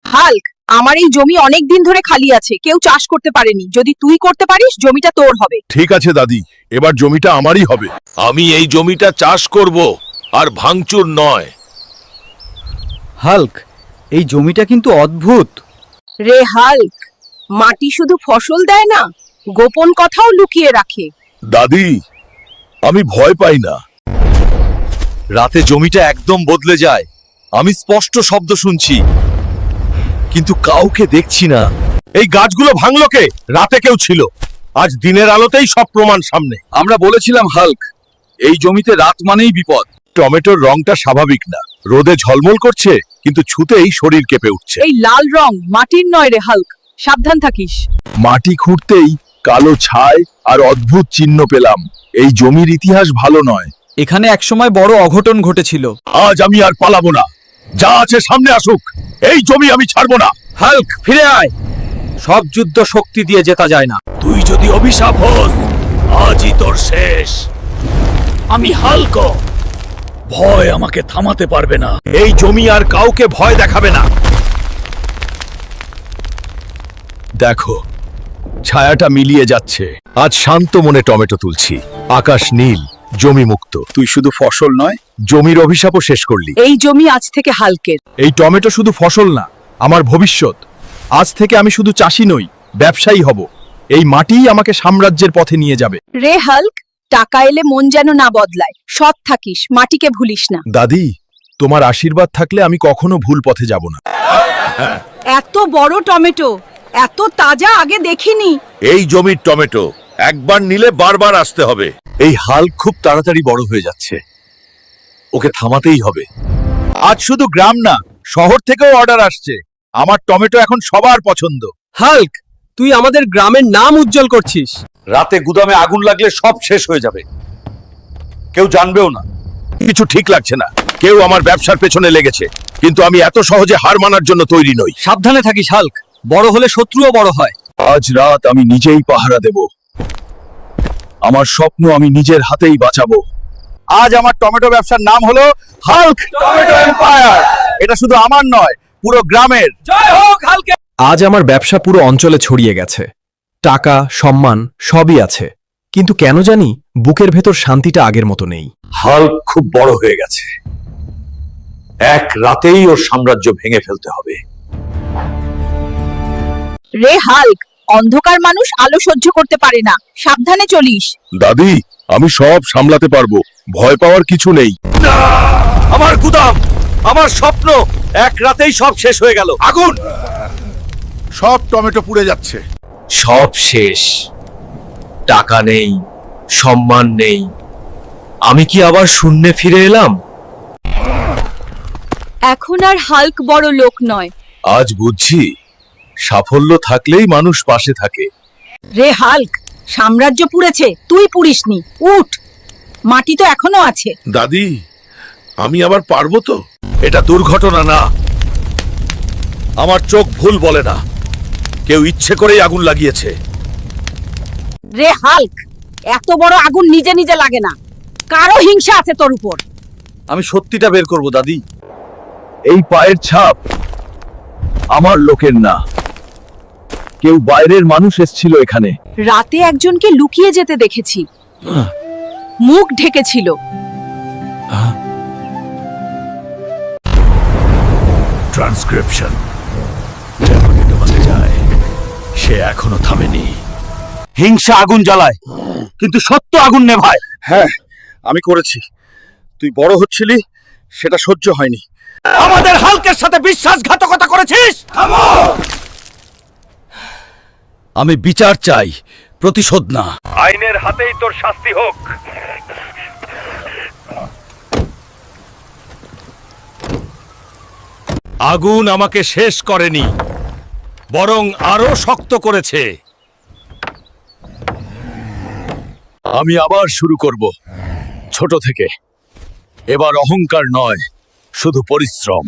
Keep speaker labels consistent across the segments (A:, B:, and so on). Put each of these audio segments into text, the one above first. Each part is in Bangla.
A: হাল্ক, আমার এই জমি অনেক দিন ধরে খালি আছে, কেউ চাষ করতে পারেনি। যদি তুই করতে পারিস, জমিটা তোর হবে।
B: ঠিক আছে দাদি, এবার জমিটা আমারই হবে।
C: আমি এই জমিটা চাষ করব, আর ভাঙচুর নয়।
D: হাল্ক, এই জমিটা কিন্তু অদ্ভুত।
A: রে হাল্ক, মাটি শুধু ফসল দেয় না, গোপন কথাও লুকিয়ে রাখে।
B: দাদি, আমি ভয় পাই না।
E: রাতে জমিটা একদম বদলে যায়। আমি স্পষ্ট শব্দ শুনছি, কিন্তু কাউকে দেখছি না।
B: এই গাছগুলো ভাঙলো কে? রাতে কেউ ছিল, আজ দিনের আলোতেই সব প্রমাণ সামনে।
E: আমরা বলেছিলাম হাল্ক, এই জমিতে রাত মানেই বিপদ।
B: টমেটোর রংটা স্বাভাবিক না, রোদে ঝলমল করছে, কিন্তু ছুতেই শরীর কেঁপে উঠছে।
A: এই লাল রং মাটির নয় রে হাল্ক, সাবধান থাকিস।
B: মাটি খুঁড়তেই কালো ছাই আর অদ্ভুত চিহ্ন পেলাম। এই জমির ইতিহাস ভালো নয়।
D: এখানে একসময় বড় অঘটন ঘটেছিল।
B: আজ আমি আর পালাবো না, যা আছে সামনে আসুক। এই জমি আমি ছাড়বো না।
D: হাল্ক, ফিরে আয়। সব যুদ্ধ শক্তি দিয়ে জেতা যায় না।
C: তুই যদি অভিশাপ হোস, আজই তোর শেষ। আমি হাল্ক, ভয় আমাকে থামাতে পারবে না।
B: এই জমি আর কাউকে ভয় দেখাবে না। দেখো, ছায়াটা মিলিয়ে যাচ্ছে। আজ শান্ত মনে টমেটো তুলছি। আকাশ নীল, জমি মুক্ত। তুই শুধু ফসল নয়, জমির অভিশাপও শেষ করলি।
A: এই জমি আজ থেকে হাল্কের।
B: এই টমেটো শুধু ফসল না, আমার ভবিষ্যৎ। আজ থেকে আমি শুধু চাষি নই, ব্যবসায়ী হব। এই মাটিই আমাকে সাম্রাজ্যের পথে নিয়ে যাবে।
A: রে হাল্ক, টাকা এলে মন যেন না বদলায়। সৎ থাকিস, মাটিকে ভুলিস না।
B: দাদি, তোমার আশীর্বাদ থাকলে আমি কখনো ভুল পথে যাব না।
A: এত বড় টমেটো, এত তাজা আগে দেখিনি।
C: এই জমির টমেটো একবার নিলে বারবার আসতে হবে।
E: এই হাল্ক খুব তাড়াতাড়ি বড় হয়ে যাচ্ছে, ওকে থামাতেই হবে।
B: আজ শুধু গ্রাম না, শহর থেকেও অর্ডার আসছে। আমার টমেটো এখন সবার পছন্দ।
D: হাল্ক, তুই আমাদের গ্রামের নাম উজ্জ্বল করছিস।
E: রাতে গুদামে আগুন লাগলে সব শেষ হয়ে যাবে, কেউ জানবেও না।
B: কিছু ঠিক লাগছে না। কেউ আমার ব্যবসার পেছনে লেগেছে, কিন্তু আমি এত সহজে হার মানার জন্য তৈরি নই।
D: সাবধানে থাকিস হাল্ক, বড় হলে শত্রুও বড় হয়।
B: আজ রাত আমি নিজেই পাহারা দেব। আমার স্বপ্ন আমি নিজের হাতেই বাঁচাবো। আজ আমার টমেটো ব্যবসার নাম হলো হাল্ক টমেটো এম্পায়ার। এটা শুধু আমার নয়, পুরো গ্রামের।
D: জয় হোক হাল্কে।
F: আজ আমার ব্যবসা পুরো অঞ্চলে ছড়িয়ে গেছে। টাকা, সম্মান সবই আছে, কিন্তু কেন জানি বুকের ভেতর শান্তিটা আগের মতো নেই।
E: হাল্ক খুব বড় হয়ে গেছে, এক রাতেই ওর সাম্রাজ্য ভেঙে ফেলতে হবে।
A: রে হাল্ক, অন্ধকার মানুষ আলো সহ্য করতে পারে না। সাবধানে চলিস।
B: দাদি, আমি সব সামলাতে পারবো, ভয় পাওয়ার কিছু নেই।
E: আমার গুদাম, আমার স্বপ্ন এক রাতেই সব শেষ হয়ে গেল।
B: আগুন! সব টমেটো পুড়ে যাচ্ছে।
E: সব শেষ, টাকা নেই, সম্মান নেই। আমি কি আবার শূন্যে ফিরে এলাম?
A: এখন আর হাল্ক বড় লোক নয়।
B: আজ বুঝছি, সাফল্য থাকলেই মানুষ পাশে থাকে।
A: রে হাল্ক, সাম্রাজ্য পুড়েছে, তুই পুড়িসনি। উঠ, মাটি তো এখনো আছে।
C: দাদি, আমি আবার পারবো তো?
B: এটা দুর্ঘটনা না। আমার চোখ ভুল বলে না। কেউ ইচ্ছে করেই আগুন লাগিয়েছে।
A: রে হাল্ক, এত বড় আগুন নিজে নিজে লাগে না, কারো হিংসা আছে তোর উপর।
E: আমি সত্যিটা বের করব দাদি।
B: এই পায়ের ছাপ আমার লোকের না, কেউ বাইরের মানুষ এসেছিল এখানে।
A: রাতে একজনকে লুকিয়ে যেতে দেখেছি, মুখ ঢেকেছিল।
B: ট্রান্সক্রিপশন যায়, সে এখনো থামেনি।
E: হিংসা আগুন জ্বালায়, কিন্তু সত্য আগুন নেভায়।
B: হ্যাঁ, আমি করেছি। তুই বড় হচ্ছিলি, সেটা সহ্য হয়নি।
E: আমাদের হাল্কের সাথে বিশ্বাসঘাতকতা করেছিস।
B: আমি বিচার চাই, প্রতিশোধ না।
C: আইনের হাতেই তোর শাস্তি হোক।
B: আগুন আমাকে শেষ করেনি, বরং আরো শক্ত করেছে। আমি আবার শুরু করব, ছোট থেকে। এবার অহংকার নয়, শুধু পরিশ্রম।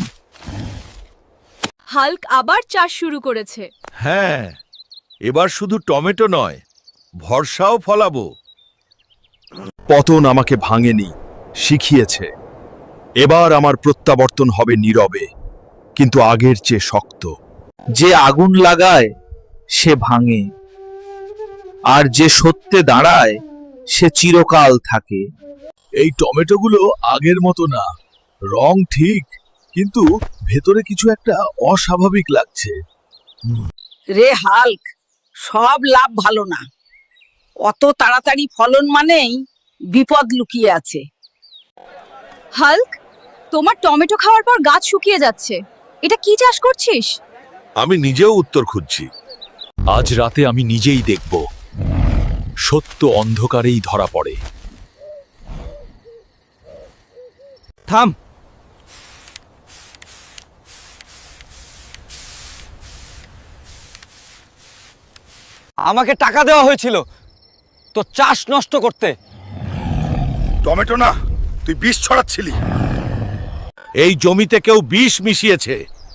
A: হাল্ক আবার চাষ শুরু করেছে।
C: হ্যাঁ, এবার শুধু টমেটো নয়, ভরসাও ফলাবো।
B: পতন আমাকে ভাঙেনি, শিখিয়েছে। এবার আমার প্রত্যাবর্তন হবে নীরবে, কিন্তু আগের চেয়ে শক্ত। যে আগুন লাগায় সে ভাঙে, আর যে সত্যে দাঁড়ায় সে চিরকাল থাকে।
C: এই টমেটোগুলো আগের মতো না, রং ঠিক, কিন্তু ভেতরে কিছু একটা অস্বাভাবিক লাগছে।
A: রে হাল্ক, সব লাভ ভালো না। অত তাড়াতাড়ি ফলন মানেই বিপদ লুকিয়ে আছে।
G: হাল্ক, তোমার টমেটো খাওয়ার পর গাছ শুকিয়ে যাচ্ছে। এটা কি চাষ করছিস?
E: আমি নিজেও উত্তর খুঁজছি। আজ রাতে আমি নিজেই দেখব, সত্য অন্ধকারেই ধরা পড়ে।
D: থাম। আমাকে টাকা দেওয়া হয়েছিল তো চাষ নষ্ট করতে।
E: টমেটো না, তুই বিষ ছড়াচ্ছিলি। এই জমিতে কেউ বিষ মিশিয়েছে,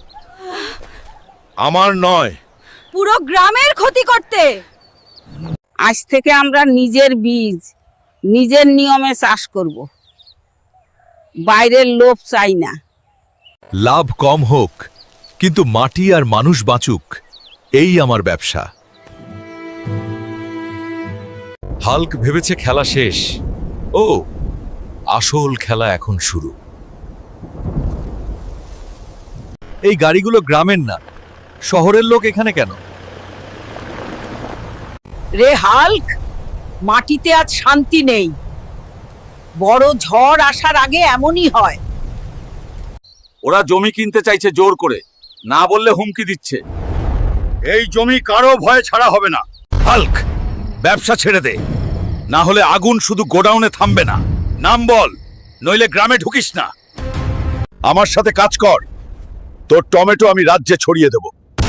E: আমার নয়।
A: পুরো গ্রামের ক্ষতি করতে। আজ থেকে আমরা নিজের বীজ নিজের নিয়মে চাষ করব, বাইরের লোভ চাই না।
E: লাভ কম হোক, কিন্তু মাটি আর মানুষ বাঁচুক, এই আমার ব্যবসা। হাল্ক ভেবেছে খেলা শেষ। ও, আসল খেলা এখন শুরু। এই গাড়িগুলো গ্রামের না, শহরের লোক এখানে কেন?
A: রে হাল্ক, মাটিতে আজ শান্তি নেই। বড় ঝড় আসার আগে এমনই হয়।
B: ওরা জমি কিনতে চাইছে জোর করে, না বললে হুমকি দিচ্ছে। এই জমি কারো ভয়ে ছাড়া হবে না।
E: হাল্ক, ব্যবসা ছেড়ে দে, না হলে আগুন শুধু গোডাউনে থামবে না। নাম বল, নইলে গ্রামে ঢুকিস না। আমার সাথে কাজ কর, তোর টমেটো আমি রাজ্যে ছড়িয়ে দেব।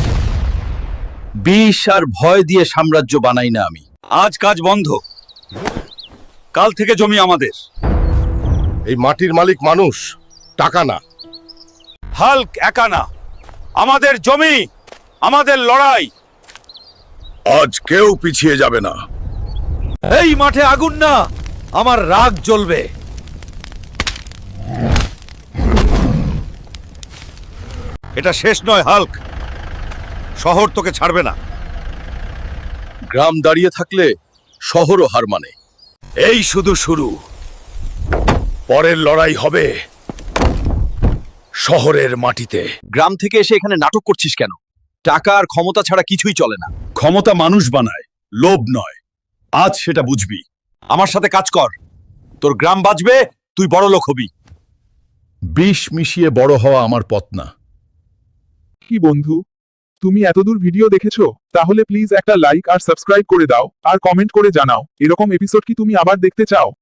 B: বিষ আর ভয় দিয়ে সাম্রাজ্য বানাই না আমি।
E: আজ কাজ বন্ধ, কাল থেকে জমি আমাদের।
H: এই মাটির মালিক মানুষ, টাকা না।
E: হাল্ক একা না, আমাদের জমি, আমাদের লড়াই।
H: আজ কেউ পিছিয়ে যাবে না।
E: এই মাঠে আগুন না, আমার রাগ জ্বলবে। এটা শেষ নয় হাল্ক, শহর তোকে ছাড়বে না।
H: গ্রাম দাঁড়িয়ে থাকলে শহরও হার মানে।
E: এই শুধু শুরু,
H: পরের লড়াই হবে শহরের মাটিতে।
B: গ্রাম থেকে এসে এখানে নাটক করছিস কেন? টাকা আর ক্ষমতা ছাড়া কিছুই চলে না।
E: ক্ষমতা মানুষ বানায়, লোভ নয়। আজ সেটা বুঝবি। আমার সাথে কাজ কর, তোর গ্রাম বাঁচবে, তুই বড় লোক হবি।
H: বিষ মিশিয়ে বড় হওয়া আমার পথ না।
I: কি বন্ধু, তুমি এতদূর ভিডিও দেখেছো? তাহলে প্লিজ একটা লাইক আর সাবস্ক্রাইব করে দাও, আর কমেন্ট করে জানাও এরকম এপিসোড কি তুমি আবার দেখতে চাও।